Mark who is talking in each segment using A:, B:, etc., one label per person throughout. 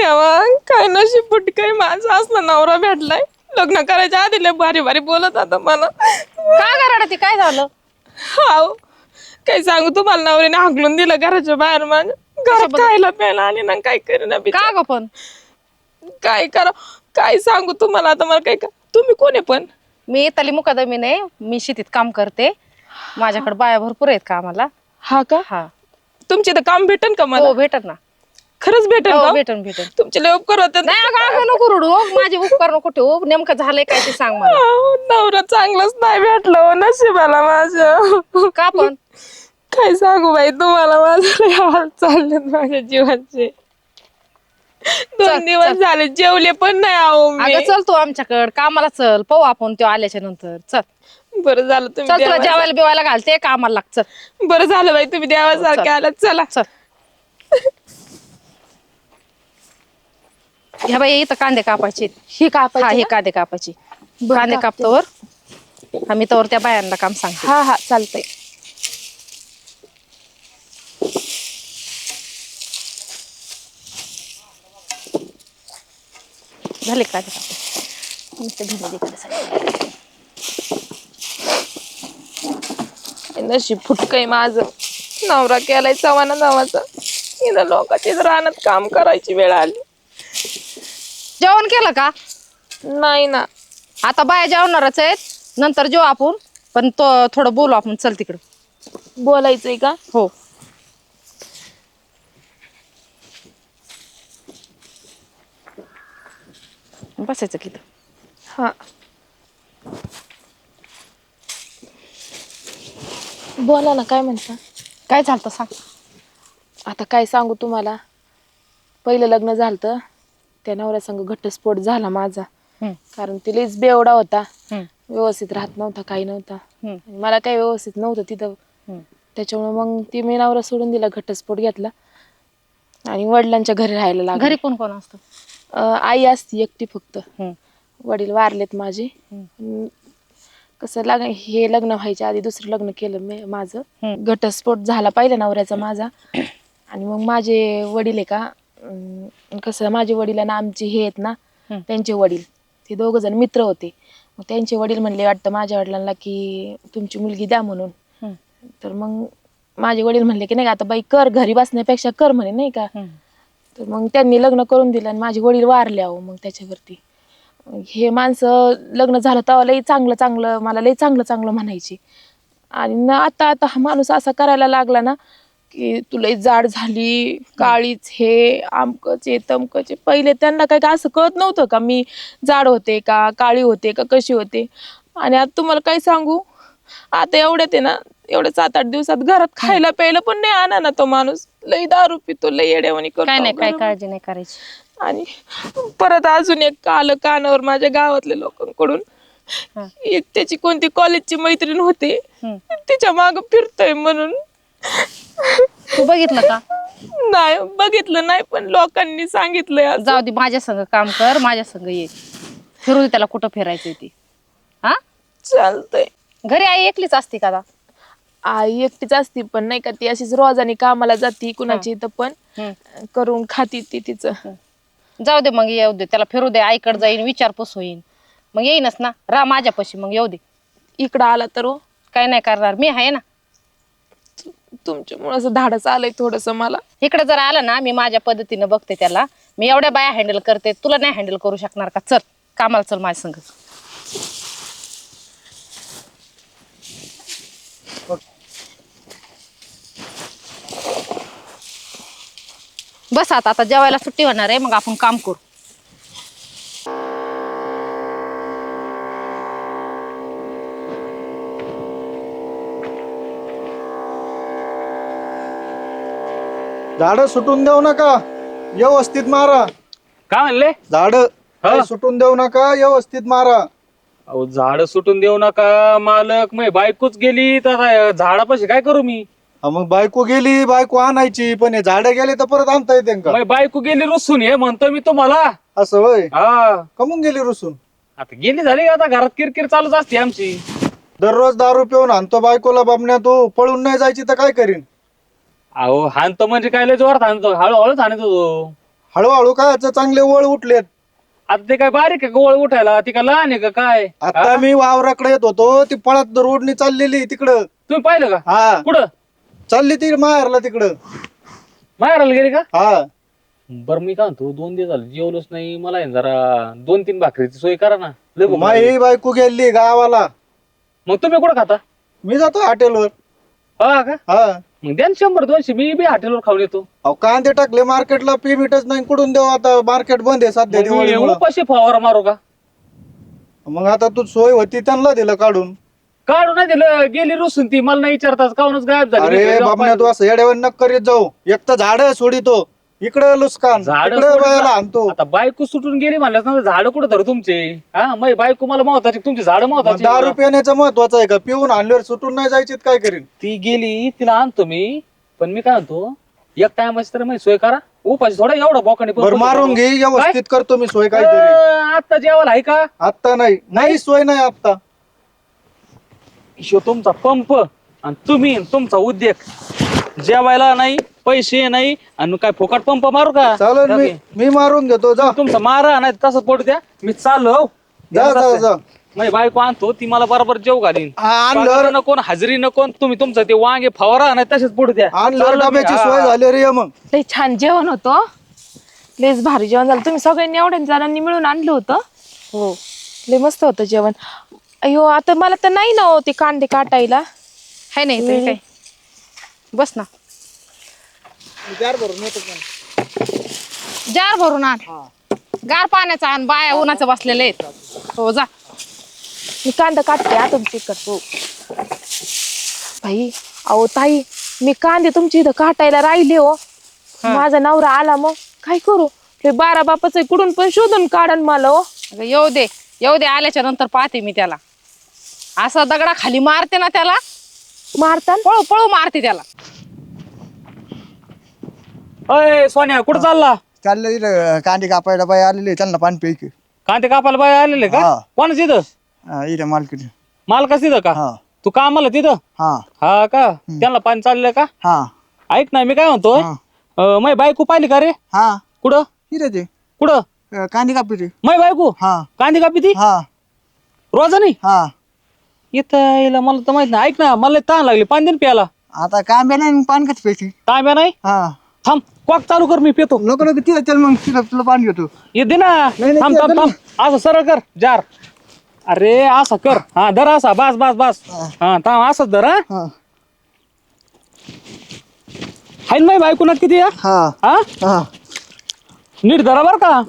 A: देवा, काय नशीब फुटकय माझं, असला नवरा भेटलाय. लग्न करायच्या आधी लय भारी भारी बोलत आता मला.
B: का गराडा ते काय झालं?
A: हाव, काय सांगू तुम्हाला, नवऱ्याने हाकलून दिलं घराच्या बाहेर. माझ्या घरात खायला प्यायला आणि ना काय करेना
B: का ग पण?
A: काय करा, काय सांगू तुम्हाला आता, मला काय का. तुम्ही कोण आहे पण?
B: मी तली मुकादमी नाही, मी शेतीत काम करते. माझ्याकडे बाया भरपूर आहेत कामाला.
A: हा का?
B: हा.
A: तुमचे तर काम भेटन का मला?
B: हो भेटत ना.
A: खरंच भेटन
B: हो
A: का?
B: भेटन भेटन.
A: तुमचे लय उपकार होते.
B: नाही अगं अगं नको रडू. माझे उपकार नको ठेवू. नेमकं झालंय काय ते सांग मला.
A: नवरा चांगलाच नाही भेटला हो नशिबाला माझ्या.
B: का पण?
A: काय सांगू बाई तुम्हाला, माझे लय हाल चाललेत माझ्या जीवाचे. 2 दिवस झाले जेवले पण नाही आहो मी.
B: अगं चल तू आमच्याकडे कामाला चल, पाहू आपण तो आल्याच्या नंतर. चल
A: बरं झालं
B: चल,
A: तुम्ही
B: तुला जेवायला बिवायला घालते, कामाला लाग. चल
A: बरं झालं बाई तुम्ही देवासारखे आलात. चला
B: चल. ह्या बाई इथं कांदे कापायचे.
A: ही कापायची
B: हा, हे
A: का?
B: कांदे कापायचे.
A: बरं,
B: कांदे
A: कापते.
B: कापतोवर आम्ही तोवर त्या बायांना काम सांगते.
A: हा हा चालतंय.
B: झाले कांदे कापते. नुसते भिंडी तिकडे सगळे.
A: नशीब फुटकय माझं, नवरा केलाय चव्हाणा नावाचा. इथं लोकांची रानात काम करायची वेळ आली.
B: जेवण केलं का?
A: नाही ना.
B: आता बाया जेवणारच आहेत, नंतर जेव आपण. पण तो थोडं बोलू आपण. चल तिकडं.
A: बोलायचंय का?
B: हो. बसायचं किती.
A: हा बोला ना, काय म्हणता?
B: काय झालं सांग.
A: आता काय सांगू तुम्हाला, पहिलं लग्न झालं, त्या नवऱ्या संग घटस्फोट झाला माझा. कारण ती लईच बेवडा होता, व्यवस्थित राहत नव्हता, काही नव्हता. आणि मला काही व्यवस्थित नव्हतं तिथं. त्याच्यामुळे मग ती मी नवरा सोडून दिला, घटस्फोट घेतला आणि वडिलांच्या घरी राहायला लागले.
B: घरी कोण कोण असतं?
A: आई असती एकटी फक्त. वडील वारलेत माझे. कसं हे लग्न व्हायच्या आधी दुसरं लग्न केलं मी माझं. घटस्फोट झाला पहिल्या नवऱ्याचा माझा. आणि मग माझे वडील आहे का, कसं माझे वडील आणि आमचे हे आहेत ना, त्यांचे वडील ते 2 जण मित्र होते. मग त्यांचे वडील म्हणले वाटतं माझ्या वडिलांना की तुमची मुलगी द्या म्हणून. तर मग माझे वडील म्हणले की नाही का, आता बाई कर, घरी बसण्यापेक्षा कर म्हणे, नाही का. तर मग त्यांनी लग्न करून दिलं आणि माझे वडील वारले अहो. मग त्याच्यावरती हे माणसं लग्न झालं तेव्हा लई चांगलं चांगलं, मला लई चांगलं चांगलं म्हणायची. आणि ना आता आता हा माणूस असा करायला लागला ना की तू लई जाड झाली, काळीच, हे आमकच आहे तमकच आहे. पहिले त्यांना काय का असं कळत नव्हतं का मी जाड होते का, काळी होते का, कशी होते. आणि आता तुम्हाला काय सांगू, आता एवढ्यात आहे ना, एवढ्या 7-8 दिवसात घरात खायला प्यायला पण नाही आणा ना तो माणूस. लई दारू पितो, लई येड्यावानी करतो.
B: काय नाही, काय काळजी नाही करायची.
A: आणि परत अजून एक आलं कानावर माझ्या गावातल्या लोकांकडून, एक त्याची कोणती कॉलेजची मैत्रीण होते, तिच्या माग फिरतोय म्हणून.
B: तू बघितलं का?
A: नाही बघितलं नाही, पण लोकांनी सांगितलंय.
B: जाऊ दे, माझ्या संग काम कर, माझ्या संग ये, फिरू दे त्याला कुठं फिरायचंय ते. हा
A: चालतंय.
B: घरी आई एकलीच असते का?
A: आई एकटीच असती, पण नाही का ती अशीच रोजानी कामाला जाती कुणाची इथं, पण करून खाती ती तिचं.
B: जाऊ दे मग, येऊ दे त्याला, फिरू दे, आईकडे जाईन, विचारपूस होईन, मग येईनच ना, राह माझ्यापाशी, मग येऊ दे.
A: इकडं आला तर
B: काय नाही करणार, मी आहे ना.
A: तुमच्यामुळे असं धाडस आलंय थोडस मला.
B: इकडे जर आलं ना, मी माझ्या पद्धतीने बघते त्याला. मी एवढ्या बाया हँडल करते, तुला नाही हँडल करू शकणार का? चल कामाला, चल माझ्या संग. बस आता जेवायला सुट्टी होणार आहे, मग आपण काम करू.
C: झाड सुटून देऊ नका, व्यवस्थित मारा.
D: काय म्हणले?
C: झाड सुटून देऊ नका, व्यवस्थित मारा.
D: अहो झाड सुटून देऊ नका मालक, मग बायकोच गेली तर झाडापाशी काय करू मी?
C: मग बायको गेली, बायको आणायची, पण हे झाड गेले तर परत आणता येते का?
D: मग बायको गेली रुसून, हे म्हणतो मी तुम्हाला.
C: असं होय?
D: हा,
C: कमून गेली रुसून?
D: आता गेली झाली, आता घरात किरकिर चालूच असते आमची.
C: दररोज दारू पिऊन आणतो बायकोला बाबण्या, तू पळून नाही जायची तर काय करीन?
D: अहो हाणतो म्हणजे काय लय जोरात हाणतो, हळूहळूच हाणतो तो.
C: हळूहळू काय चांगले वळ उठलेत.
D: आता ते काय बारीक आहे गोळ उठायला, ती काय लहान आहे का काय?
C: आता मी वावराकडे येत होतो, ती पळत रोडनी चाललेली तिकडं.
D: तुम्ही पाहिलं का?
C: हा
D: कुठं
C: चालली ती माहेरला तिकडं.
D: माहेराला गेली का?
C: हा
D: बरं मी काय म्हणतो, 2 दिवस झाले जेवलोच नाही, मला आहे ना जरा 2-3 भाकरीची सोय करा ना. लय भूक लागली.
C: माई बायको गेली गावाला.
D: मग तुम्ही कुठं खाता?
C: मी जातो हॉटेलवर.
D: हा का?
C: हा
D: मग द्या ना 100-200, मी बी हॉटेलवर खाऊन येतो.
C: अहो कांदे टाकले मार्केटला, पेमेंटच नाही, कुठून देऊ आता? मार्केट बंद आहे सध्या
D: मग मी
C: दिवाळीमुळं.
D: उपाशी फवारा मारू का?
C: मग आता तू सोय होती त्यांना दिलं काढून.
D: काढू नाही दिलं, गेली रुसून ती, मला नाही विचारताच काहूनच गायब झाली. मी
C: अरे
D: घरी जाऊन
C: बाबण्या तू असं येड्यावर नक करीत जाऊ. एक तर झाड सोडितो, इकडे लुस्कान,
D: झाडं
C: इकडे
D: सोडून
C: बायाला
D: जा.
C: आणतो.
D: आता बायको सुटून गेली म्हणल्यास झाड कुठं धरू तुमचे? हा मग बायको मला महत्वाची, तुमची झाड
C: मग
D: महत्वाची.
C: दारू पिण्याचं महत्वाचं आहे का? पिऊन आणल्यावर सुटून नाही जायची तर काय करीन?
D: ती गेली, तिला आणतो मी. पण मी काय म्हणतो, एक टायमाची तर मी सोय करा. उपाशी थोडा एवढा बोकाने
C: बरं मारून घे, व्यवस्थित करतो मी सोय काहीतरी.
D: आता जेवायला आहे का?
C: आता नाही सोय नाही आता.
D: शो तुमचा पंप आणि तुम्ही आणि तुमचा उद्योग. जेवायला नाही, पैसे नाही, आणि काय फुकट पंप मारू का?
C: चालेल, मी मारून घेतो. जा
D: तुमचा मारा नाही तसं पडू द्या, मी चाललो.
C: जा जा जा.
D: माझी बायको आणतो, ती मला बरोबर जेव घालीन.
C: आणलं
D: पगार नको न हजेरी नको न तुम्ही तुमचं ते वांगे फवारा नाही तसेच पडू द्या.
C: आणलं
D: चाललो मी.
C: डब्याची
D: हा.
C: सोय झाली रे मग.
A: लय छान जेवण होतं, लयच भारी जेवण झालं. तुम्ही सगळ्यांनी एवढ्या जणांनी मिळून आणलं होतं. हो लय मस्त होतं जेवण. अयो आता मला तर नाही ना हो ते कांदे काटायला.
B: हाय नाही तरी काय. बस ना, जार भरून आण. गार पाण्याचा आण, बाया उन्हाचं बसलेले आहेत. हो जा.
A: मी कांदा काटते आता तिकट. हो भाई, अहो ताई, मी कांदे तुमच्या इथं काटायला राहिले हो. माझा नवरा आला, मग काय करू? हे 12 बापाचं कुठून पण शोधून काढन मला हो.
B: अगं येऊ दे आल्याच्या नंतर पाहते मी त्याला. असं दगडा खाली मारते ना त्याला,
A: मारतान
B: पळू पळू मारते त्याला.
D: अय सोन्या, कुठं चालला?
E: चाललं इथं कांदे कापायला बाई आलेले त्यांना पाणी प्यायचे.
D: कांदे कापायला बाय आलेले का?
E: हा.
D: कोणाच इथं?
E: इथं मालकीत.
D: मालकाच तिथं का?
E: हा
D: तू कामाला तिथं?
E: हा
D: हा का? त्यांना पाणी चाललंय का?
E: हा
D: ऐक ना, मी काय म्हणतोय, मै बायको पाहिली का रे?
E: हा
D: कुठं
E: इथं ते
D: कुठं?
E: कांदे कापायचे.
D: मै बायको
E: हा
D: कांदे कापी ती
E: हा
D: रोजानी?
E: हा
D: इथं याला मला तर माहित नाही. ऐक ना, मला ताण लागली, पाणी दे ना प्यायला.
E: आता कांबे नाही मग पाणी कसं प्यायची?
D: तांब्या नाही?
E: हा
D: थांब, कॉक चालू कर, मी पितो.
E: नको नको तिथं चल मग तिथं तुला पाणी घेतो.
D: ये दे ना.
E: नाही,
D: थांब
E: ते
D: थांब
E: आता
D: थांब, असं सरळ कर जार. अरे असा कर, हा धर असा, बस बस बस. हा थांब, असंच धर. हा
E: हा
D: हाय ना बायको ना किती आहे?
E: हा
D: हा
E: हा
D: नीट धरा बर का.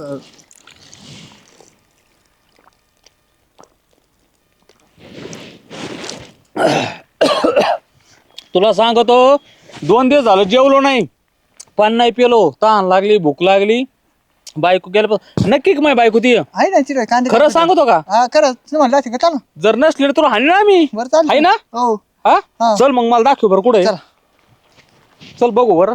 D: तुला सांगतो, 2 दिवस झालं जेवलो नाही, पाणी नाही पिलो, तहान लागली, भूक लागली. बायको गेलं नक्की का माझी बायको ती?
E: आहे ना तिथं कांदे
D: खरं
E: कापायचे.
D: सांगतो का?
E: हा खरं तू म्हणला असेल का? चल ना.
D: जर नसली तर तुला हाणी ना मी.
E: बरं चालेल.
D: आहे ना?
E: हो
D: हा
E: हा.
D: चल मग मला दाखव बरं कुठे.
E: चल.
D: चल बघू बरं.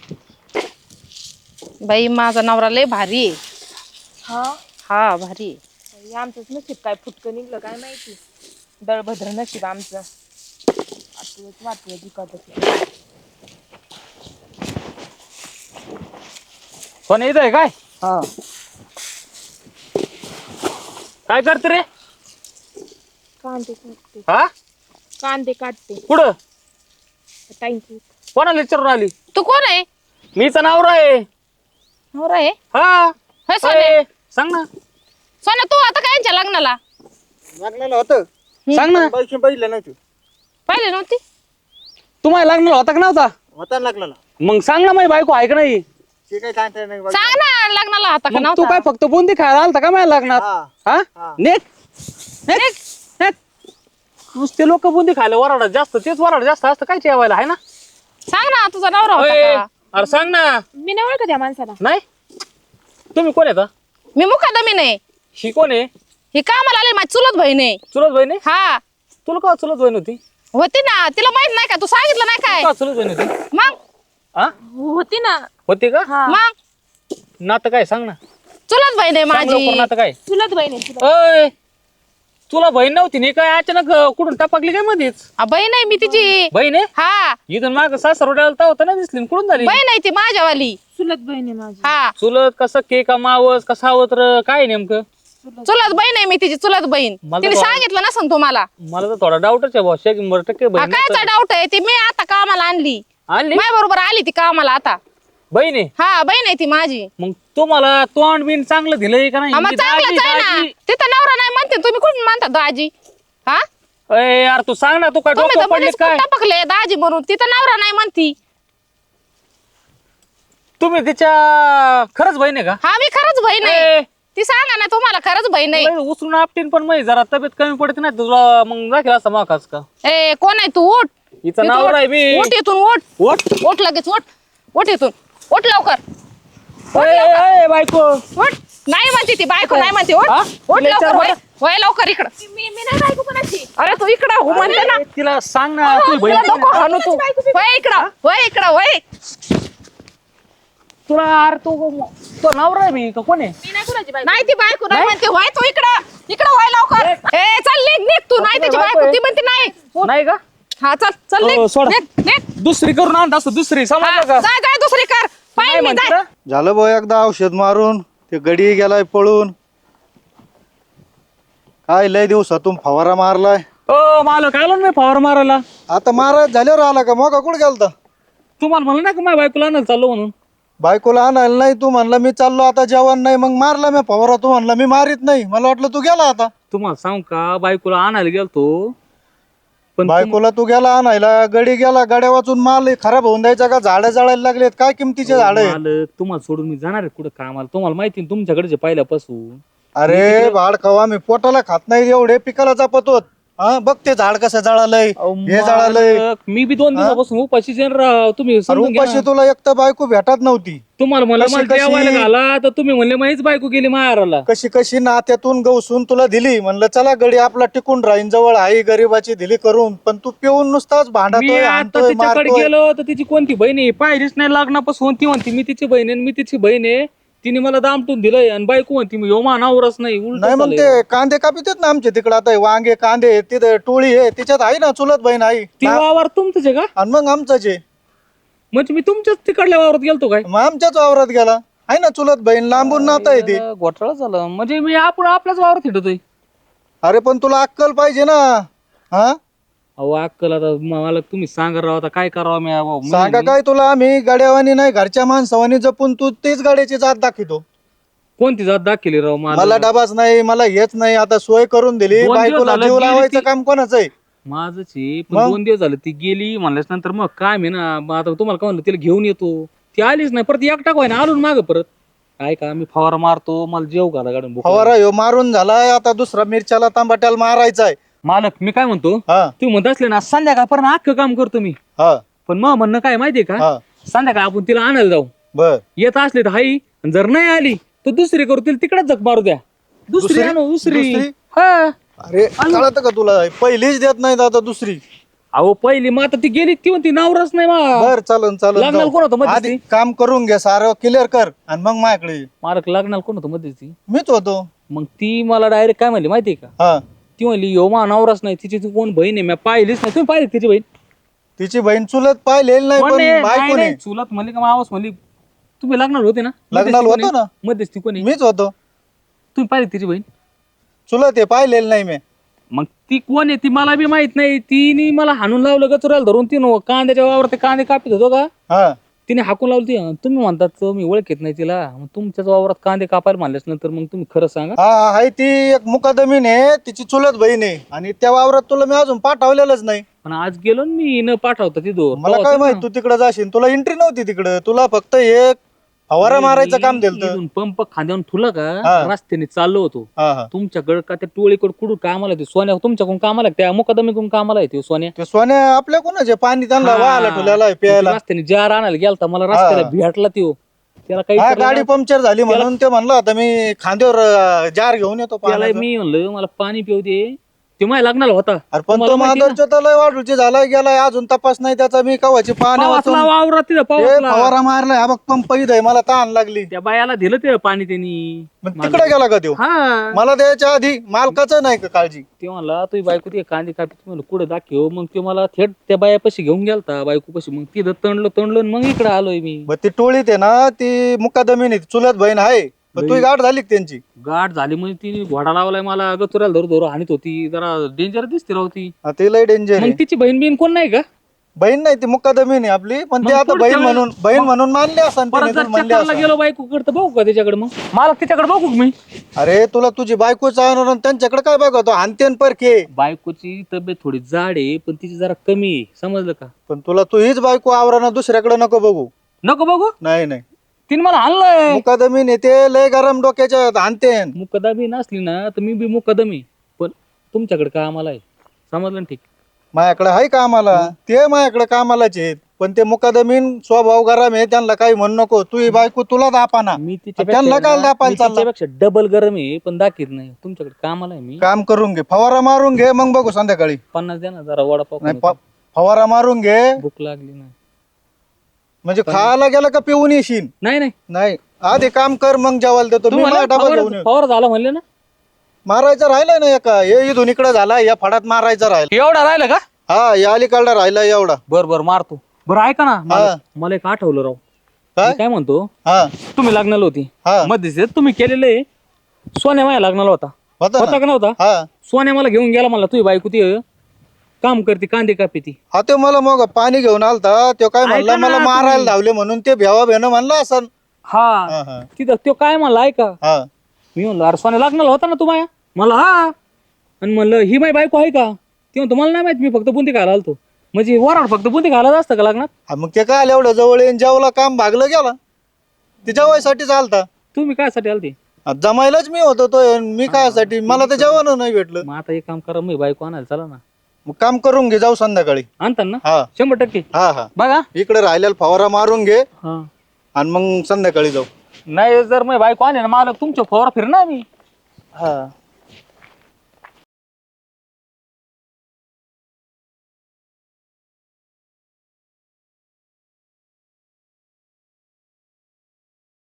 B: बाई माझा नवरा लय भारी आहे.
A: हा
B: हा भारी आहे.
A: हे आमचंच नशीब काय फुटकं निघलं काय माहिती. दळभद्र नशीब आमचं. आपलंच वाटलं जिकत.
D: सोन्या इथं आहे काय?
E: हा
D: काय करते रे?
A: कांदे काटते,
D: हा
A: कांदे काटते.
D: कुठं?
A: थँक्यू.
D: कोणाला विचारून आली?
B: तू कोण आहे?
D: मीच नवरा आहे.
B: नवरा आहे?
D: हा
B: होय सोन्या.
D: अय, सांग ना.
B: सोन्या तू आता काय यांच्या लग्नाला
E: लागलेलं होतं.
D: सांग ना.
E: पैसे बघितलं नाही तू.
B: पाहिले नव्हती?
D: तुम्हाला लागणार होता का नव्हता?
E: होता लागलेला.
D: मग सांग ना, माझी बायको आहे का नाही?
E: ते काही सांगता नाही.
B: सांग ना, लग्नाला होता का
D: मग तू
B: नव्हता?
D: काय फक्त बुंदी खायला आलता का माझ्या लग्नात?
E: हा.
D: हा
E: हा.
D: नेक नेक नेक. नुसते लोक बुंदी खायला वराडा जास्त, तेच वराडा जास्त असतं काय जेवायला, आहे ना?
B: सांग ना, तुझा नवरा
D: अय,
B: होता का?
D: अरे सांग ना.
A: मी नाही ओळखत या माणसाला.
D: नाही, तुम्ही कोण येता?
B: मी मुकादमी नाही.
D: ही कोण आहे?
B: ही कामाला आली, माझी चुलत बहीण आहे.
D: चुलत बहीण आहे?
B: हा
D: तुला का चुलत बहीण होती?
B: होती ना, तिला माहित नाही का? तू सांगितलं नाही काय?
D: का चुलत बहीण होती?
B: मग
D: हा
A: होती ना.
D: होती का?
A: हा
B: मग
D: नातं काय सांग ना.
B: चुलत बहीण आहे
D: सांग लवकर,
B: माझी.
D: नातं काय?
A: चुलत बहीण आहे, चुलत.
D: अय, तुला बहीण नव्हती नाही काय? अचानक कुठून टपकली काय मध्येच?
B: बहीण आहे मी तिची.
D: बहीण आहे?
B: हा
D: इथून माग सासरवड्याला होता ना दिसली, कुठून झाली?
B: बहीण आहे ती माझ्यावाली.
A: चुलत बहीण आहे माझी.
B: हा
D: चुलत कसं के का मावस का सावत्र काय नेमकं?
B: चुलत बहीण आहे मी तिची चुलत बहीण.
D: मला
B: तिने
D: तर-
B: सांगितलं नसन तुम्हाला.
D: मला तर थोडा डाऊटच आहे भाऊ. 100%
B: हा
D: बहीण
B: कायचा डाऊट आहे? ती मी आता कामाला आणली.
D: आणली
B: माझ्या बरोबर आली ती कामाला आता.
D: बहीण आहे.
B: हा बहीण आहे ती माझी.
D: मग तुम्हाला तोंड बिन चांगलं दिलंय का नाही?
B: हा, मग
D: मी
B: चांगलंच आहे ना.
D: दाजी-
B: तिथं नवरा नाही म्हणते तुम्ही कुठून म्हणता दाजी? हा
D: अय यार तू सांग ना, तू काय
B: तुम्ही
D: डोकं
B: तर
D: पडले
B: मध्येच
D: काय?
B: टपकले दाजी म्हणून. तिथं नवरा नाही म्हणती.
D: तुम्ही तिच्या खरंच बहीण आहे का?
B: हा मी खरंच बहीण
D: ए.
B: आहे. ती सांगा ना तुम्हाला खरंच बहीण आहे.
D: लय उचलून आपटीन पण मग जरा तब्येत कमी पडते ना तुला, मग दाखल असं माकाच का?
B: ए कोण आहे तू? उठ.
D: हिचं
B: इथून
D: नाव
B: उठ.
D: आहे मी.
B: उठ इथून उठ.
D: उठ.
B: उठ लगेच उठ. उठ इथून. उठ लवकर.
D: ए, बायको
B: उठ. नाही म्हणते ती बायको नाही म्हणते. उठ.
D: हा?
B: उठ
D: तिला
B: लवकर.
D: विचार
B: वय
D: बरं.
B: वय लवकर इकडं.
A: मी नाही बायको कोणाची.
B: अरे तू इकडं हो म्हणते ना.
D: अरे, तिला सांग ना तू बहीण
B: तुला नको हाणू तू. वय इकडं. वय इकडं. वय.
D: तुला अरे तो नवरा आहे मी का कोण आहे?
A: मी नाही कोणाची बायको.
B: नाही ती बायको नाही म्हणते. वय तू इकडं. इकडं वय लवकर. ए चल निघ निघ तू. नाही त्याची बायको ती म्हणते नाही.
D: नाही का?
B: हा चल चल
D: हो,
B: निघ.
D: सोडा.
B: निघ निघ.
D: दुसरी करून आणत असतो दुसरी,
B: हा,
D: समजलं का?
B: जाय जाय दुसरी कर.
D: नाही
B: पाहिजे मी
D: म्हणते
B: जाय.
D: ना?
C: झालं भाऊ एकदा औषध मारून ते गडी गेलाय पळून. काय लय दिवसातून फवारा मारलाय.
D: ओ मालक आलो ना मी फवार मारायला.
C: आता महाराज झाल्यावर आला का? मग कुठे गेलता?
D: तुम्हाला म्हणलं ना का माझ्या बायकोला आणायला चाललो म्हणून?
C: बायकोला आणायला नाही, तू म्हणला मी चाललो आता जेवण नाही, मग मारला मी फवारा. तू म्हणला मी मारित नाही, मला वाटलं तू गेला आता.
D: तुम्हाला सांगू का, बायकोला आणायला गेलतो पण
C: बायकोला तू गेला आणायला, गडी गेला, गाड्या वाचून माल खराब होऊन द्यायचा का? झाडं जळायला लागलेत, काय किमतीचे झाड आहे?
D: मालक तुम्हाला सोडून मी जाणार आहे कुठं कामाला? तुम्हाला माहिती ना तुमच्याकडचे पहिल्यापासून.
C: अरे भाड खावा, मी पोटाला खात नाही एवढे, पिकाला जपतो. हा बघ ते झाड कसं जळालंय,
D: अहो,
C: हे जळालंय.
D: मालक, मी बी 2 दिवसापासून उपाशी जेन राव. तुम्ही
C: अरे
D: समजून घ्या
C: उपाशी
D: ना.
C: तुला एक तर बायको भेटत नव्हती.
D: तुम्हाला मला
C: कशी-
D: मला
C: कशी-
D: जेवायला घाला तर तुम्ही म्हणले माहीच बायको गेली मारायला.
C: कशी कशी नात्यातून गवसून तुला दिली. म्हणलं चला गडी आपला टिकून राहीन, जवळ आई गरीबाची दिली करून. पण तू पिऊन नुसताच
D: मी
C: भांडतोय,
D: आता
C: हाणतोय,
D: तिच्याकडे
C: मारतोय.
D: गेलो तर तिची कोणती बहीण आहे पाहिलीच नाही लग्नापासून. ती म्हणते मी तिची बहीण आहे आणि मी तिची बहीण आहे. तिने मला दामटून दिलंय आणि बायको म्हणते मी यो मानावरच नाही. उलट
C: नाही मग ते कांदे कापित ना आमच्या तिकडे. आता हे वांगे कांदे तिथे टोळी आहे, तिच्यात आहे ना चुलत बहीण आई.
D: ती वावर तुमचंच आहे का?
C: आणि मग आमचाच आहे.
D: म्हणजे मी तुमच्याच तिकडल्या वावरात गेलतो काय?
C: मग आमच्याच वावरात गेला. आहे ना चुलत बहीण, लांबून नातं आहे ते.
D: घोटाळा झाला म्हणजे मी आपण आपल्याच वावरात हिंडतोय.
C: अरे पण तुला अक्कल पाहिजे ना. हा
D: अहो अक्कल आता मला तुम्ही सांगा राव, आता काय करावं मी अहो,
C: सांगा काय तुला? आम्ही गाड्यावानी नाही, घरच्या माणसावानी जपून तू तीच गाड्याची जात दाखवतो.
D: कोणती जात दाखवली राव
C: मला डबाच नाही, मला हेच नाही. आता सोय करून दिली.
D: 2 दिवस
C: बायकोला
D: झालं
C: जीव
D: गेली
C: लावायचं
D: ती.
C: काम कोणाचं आहे?
D: माझंच आहे पण
C: मग?
D: 2 दिवस झाले ती गेली म्हणल्याच नंतर मग काय मी ना मग आता तुम्हाला काय म्हणलं तिला घेऊन येतो. ती आलीच नाही परत एकटा काय ना आलो ना मागं परत. काय का मी फवारा मारतो मला जेव घाला गाडून भूक लागली.
C: फवारा ह्यो मारून झालाय, आता दुसरा मिरच्याला तांबाट्याला मारायचा आहे.
D: मालक मी काय म्हणतो,
C: हा
D: तुम्ही म्हणत असले ना संध्याकाळपर्यंत अख्खं काम करतो मी.
C: हा
D: पण मग म्हणणं काय माहितीये का,
C: हा
D: संध्याकाळ आपण तिला आणायला जाऊ.
C: बर.
D: येत असले तर हाई, आणि जर नाही आली तर दुसरी करू, तिला तिकडेच जग मारू द्या. दुसरी आणू दुसरी.
C: दुसरी?
D: हा
C: अरे कळत का तुला? पहिलीच देत नाहीत आता दुसरी.
D: अहो पहिली मग आता ती गेली ती म्हणती नावरच नाही मा.
C: बर चालन
D: लग्नाला
C: चालन
D: कोण होतं मध्यस्थी?
C: आधी काम करून घे, सारं क्लिअर कर आणि मग माझ्याकडे ये.
D: मालक लग्नाला कोण होतं मध्ये ती?
C: मीच होतो.
D: मग ती मला डायरेक्ट काय म्हणली माहितीये का,
C: हा
D: ती म्हणली यो मा नवराच नाही, तिची ती कोण बहीण आहे मी पाहिलीच नाही. तुम्ही पाहिली तिची बहीण?
C: तिची बहीण चुलत पाहिलेली नाही,
D: कोण
C: पण
D: आहे?
C: बायको
D: नाही,
C: नाही.
D: नाही, चुलत म्हणली का मावस म्हणली? तुम्ही लग्नाला होते ना?
C: लग्नाला
D: मध्यस्थी
C: होतो
D: कोणी?
C: ना.
D: मध्यस्थी कोणी?
C: मीच होतो.
D: तुम्ही पाहिली तिची बहीण?
C: चुलत आहे, पाहिलेली नाही मी.
D: मग ती कोण आहे ती मला बी माहित नाही. तिने मला हाणून लावलं गचुराला धरून. ती कांद्याच्या वावर ते कांदे कापित होतो का,
C: हा
D: तिने हाकून लावली. ती तुम्ही म्हणतात मी ओळखत नाही तिला. मग तुमच्याच वावरात कांदे कापायला म्हणल्यास नंतर मग तुम्ही खरं सांगा.
C: हा हाय ती एक मुकादमीन आहे, तिची चुलत बहीण आहे. आणि त्या वावरात तुला मी अजून पाठवलेलंच नाही.
D: पण आज गेलो ना मी न पाठवता तिथं.
C: मला काय माहित तू तिकडे जाशील. तुला एंट्री नव्हती तिकडे. तुला फक्त एक फवारा मारायचं काम दिलं.
D: पंप खांद्यावर ठुला का
C: हा.
D: रस्त्याने चाललो होतो.
C: हा हा
D: तुमच्याकडे का त्या टोळीकडे कुठून कामाला येते सोन्या, तुमच्याकडून कामाला आहे, त्या मुकादमीकडून कामाला येते सोन्या.
C: ते सोन्या आपल्या कोणाचे पाणी त्यांना
D: हा.
C: वाहायला ठेवलेला आहे प्यायला.
D: रस्त्याने जार आणायला गेलता, मला रस्त्याला भेटला त्यो. त्याला काही
C: हा
D: विचारलं
C: गाडी
D: ना,
C: पंक्चर झाली म्हणून ते म्हणलं आता मी खांद्यावर जार घेऊन येतो
D: त्याला
C: पाण्याचं.
D: मी म्हणलं मला पाणी पिऊ दे. ते माझ्या लग्नाला होता
C: अरे पण
D: तुम्हाला
C: तो
D: माहिती ना?
C: माधवच्या तर लय वाढूची झालाय गेलाय अजून तपास नाही त्याचा मी कवाची पाण्या वाचून
D: पावसला वावरात तिथं
C: हे
D: पावसला
C: फवारा मारलाय हा बघ पंप इथं आहे, मला ताण लागली.
D: त्या बायाला दिलं ते पाणी त्यांनी
C: मग तिकडे गेला का त्यो?
D: हा
C: मला द्यायच्या आधी मालकाचं नाही का काळजी?
D: ते म्हणला तुझी बायको ते कांदे कापी म्हणलं कुठं दाखव मग ते मला थेट त्या बायापाशी घेऊन गेलता बायको पशी मग तिथं तणलं आणि मग इकडे आलोय मी
C: मग ती टोळीत आहे ना ती मुकादमीने चुलत बहीण आहे पण तुझी गाठ झाली का त्यांची?
D: गाठ झाली म्हणजे ती घोडा लावलाय मला गचुराला धरू हानीत होती जरा डेंजर दिसते राहती
C: हा, ते लय डेंजर
D: मग तिची बहीण बिन कोण नाही का
C: बहीण नाही ती मुकादमीने आपली पण ते
D: मग
C: आता
D: पुढच्या
C: बहीण म्हणून मानले असं
D: परत जर चक्करला गेलो बायको करतं बघू का त्याच्याकडे मग मला तिच्याकडे बघू का मी
C: अरे तुला तुझी बायको चालणार त्यांच्याकडे काय बघतो हानतेन परखे.
D: बायकोची तब्येत थोडी जाड आहे पण तिची जरा कमी आहे समजलं का
C: पण तुला तू हीच बायको आवराना दुसऱ्याकडे नको बघू.
D: नको बघू
C: नाही नाही
D: तिने मला आणलंय
C: मुकादमीने ते लय गरम डोक्याच्या हानतेन.
D: मुकदमी नसली ना तर मी बी मुकदमी पण तुमच्याकडे का आम्हाला आहे समजलं ना ठीक
C: माझ्याकडे आहे कामाला ते माझ्याकडे कामालाच आहेत पण ते मुकादमीन स्वभाव गरम आहे त्यांना काही म्हणू नको. तू ही बायको तुला दापाना
D: मी
C: त्यांना काय दापायला चालला?
D: तिच्यापेक्षा डबल गरम आहे पण दाखीत नाही तुमच्याकडे कामाला आहे मी
C: काम करून घे फवारा मारून घे मग बघू संध्याकाळी.
D: 50 द्या ना जरा वडापाव
C: नाही
D: खाऊ.
C: फवारा मारून घे
D: भूक लागली नाही
C: म्हणजे खायला गेला का पिऊन येशील.
D: नाही नाही
C: नाही आधी काम कर मग जेवायला देतो मी.
D: तुम्हाला
C: माझा डबा घेऊन येऊ.
D: फवार झाला म्हणले ना
C: मारायचं राहिलंय ना एका हे इथून इकडे झाला या फडात मारायचं राहिलं.
D: एवढा राहिला का
C: हा या अलीकडला राहिला एवढा.
D: बर बर मारतो बरं ऐका ना मला एक आठवलं राव
C: काय?
D: मी काय म्हणतो
C: हा
D: तुम्ही लग्नाला होती
C: हा
D: मध्ये तुम्ही केलेले सोन्या माझ्या लग्नाला होता
C: होता
D: होता
C: ना?
D: का नव्हता
C: हा
D: सोन्या मला घेऊन गेला मला तुझी बायको ती काम करते कांदे कापी ती
C: हा ते मला मग पाणी घेऊन आलता तो काय म्हणला
D: ऐका ना
C: मला मारायला
D: तुम्ही.
C: धावले म्हणून ते भेवा भेणं म्हणला असं.
D: हा
C: हा हा
D: तिथं तो काय म्हणला ऐका
C: हा
D: मी म्हणलो अरे सोन्या लग्नाला होता ना तुम्हाला मला हा आणि म्हणलं ही माझी बायको आहे का ती म्हणतो मला नाही माहिती मी फक्त बुंदी खायला आलतो म्हणजे वराड फक्त बुंदी खायला असतं का लग्नात
C: हा, मग ते काय एवढं जवळ येईन जेवला काम भागलं गेला ते जेवायसाठी चालता.
D: तुम्ही कायसाठी आलते
C: जमायलाच मी होतो तो मी कायसाठी मला तर जेवण नाही भेटलं.
D: मग आता एक काम करा मी बायको आणायला चला ना
C: मग काम करून घे जाऊ संध्याकाळी.
D: आणता ना
C: हा
D: 100%
C: हा हा
D: बघा
C: इकडे राहिलेला फवारा मारून घे
D: हा
C: आणि मग संध्याकाळी जाऊ.
D: नाही जर मी बायको आले ना मला तुमच्या फवारा फिरणार मी
C: हा